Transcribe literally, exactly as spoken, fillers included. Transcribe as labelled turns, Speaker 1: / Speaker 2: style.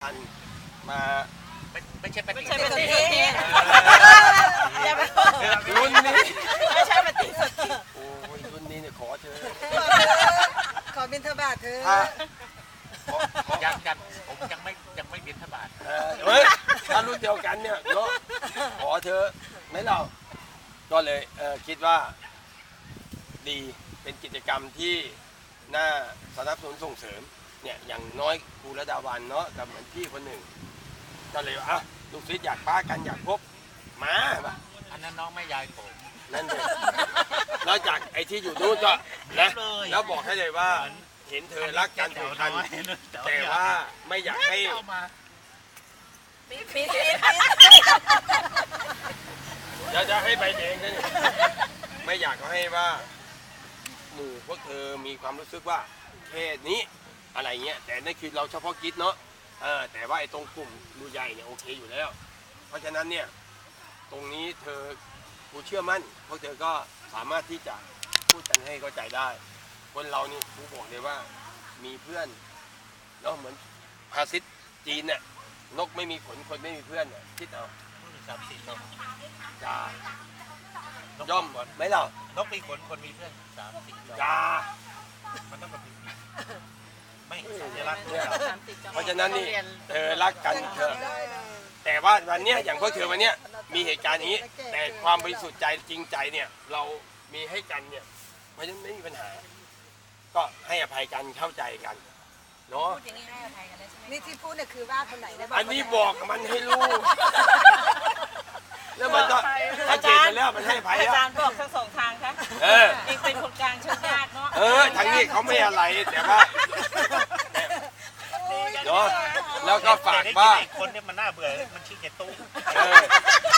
Speaker 1: อันมาไม่ไม่ใช่ปฏิ
Speaker 2: ไม่ใช่ปฏิสนธิอย่าไป
Speaker 1: รุ่นนี้
Speaker 2: ไม่ใช่ปฏิสนธิ
Speaker 1: โอ้ยรุ่นนี้เนี่ยขอเธอ
Speaker 3: ขอบิณฑบาตเธอ
Speaker 1: ถ้า
Speaker 4: ยังยังผมยังไม่ยังไม่บิณฑบาต
Speaker 1: เออเฮ้ยถ้ารุ่นเดียวกันเนี่ยเนาะขอเธอไม่เราก็เลยเออคิดว่าดีเป็นกิจกรรมที่น่าสนับสนุนส่งเสริมเนี่ยอย่างน้อยครูระดาวันเนาะกับเหมือนพี่คนหนึ่งก็เลยว่าอ่ะลูกศิษย์อยากป้ากันอยากพบมาป่ะ
Speaker 4: อันนั้นน้องแม่ยายผม
Speaker 1: นั่นเลยแล้วจากไอ้ที่อยู่นู้นก็นะแล้วบอกให้เลยว่าเห็นเธอรักกันผูกพันแต่ว่าไม่อยากให้
Speaker 2: ปีปีปี
Speaker 1: จะจะให้ใบแดงนะเนี่ยไม่อยากให้ว่าหมู่พวกเธอมีความรู้สึกว่าแค่นี้อะไรเงี้ยแต่นั่นคือเราเฉพาะกิจเนาะเออแต่ว่าไอ้ตรงกลุ่มดูใหญ่เนี่ยโอเคอยู่แล้ว เพราะฉะนั้นเนี่ยตรงนี้เธอกูเชื่อมั่นพวกเธอก็สามารถที่จะพูดกันให้เข้าใจได้คนเรานี่กูบอกเลยว่ามีเพื่อนเนาะเหมือนภาษิตจีนเนี่ยนกไม่มีขนคนไม่มีเพื่อนเนี่ยคิดเอา
Speaker 4: สามสี่นก
Speaker 1: จ้า
Speaker 4: นก
Speaker 1: ย่อม
Speaker 4: ขน
Speaker 1: ไหมเรา
Speaker 4: นกมีขนคนมีเพื่อนสามสี่นก
Speaker 1: จ้า
Speaker 4: มันต้องแบบนี้ไม่สัญลักษณ์
Speaker 1: เนี่ยเพราะฉะนั้นนี่เธอรักกันเธอแต่ว่าวันเนี้ยอย่างพวกเธอวันเนี้ยมีเหตุการณ์อย่างนี้ แต่ความบริสุทธิ์ใจจริงใจเนี่ยเรามีให้กันเนี่ยเพราะฉะนั้นไม่มีปัญหา ก็ให้อภัยกันเข้าใจกันเนาะ
Speaker 2: พูดอย่างนี้ให้อภัยกันได้ใช่ไหม
Speaker 3: นี่ที่พูดเนี่ยคือว่าคนไหนได้บ้าง
Speaker 1: อันนี้บอกมันให้รู้แล้วมันก็ถ้าเจนไปแล้วมันให้อภัย
Speaker 2: อา
Speaker 1: แล้ว
Speaker 2: จารย์บอกทั้งสองทางค่ะ
Speaker 1: เออ
Speaker 2: เองเป็นคนกลางเชิญญาติเนาะ
Speaker 1: เออทางนี้เขาไม่อะไรแต่ว่าเนาะแล้วก็ฝากว่า
Speaker 4: คนเนี่ยมันน่าเบื่อมันชี้แกตู้
Speaker 1: เออ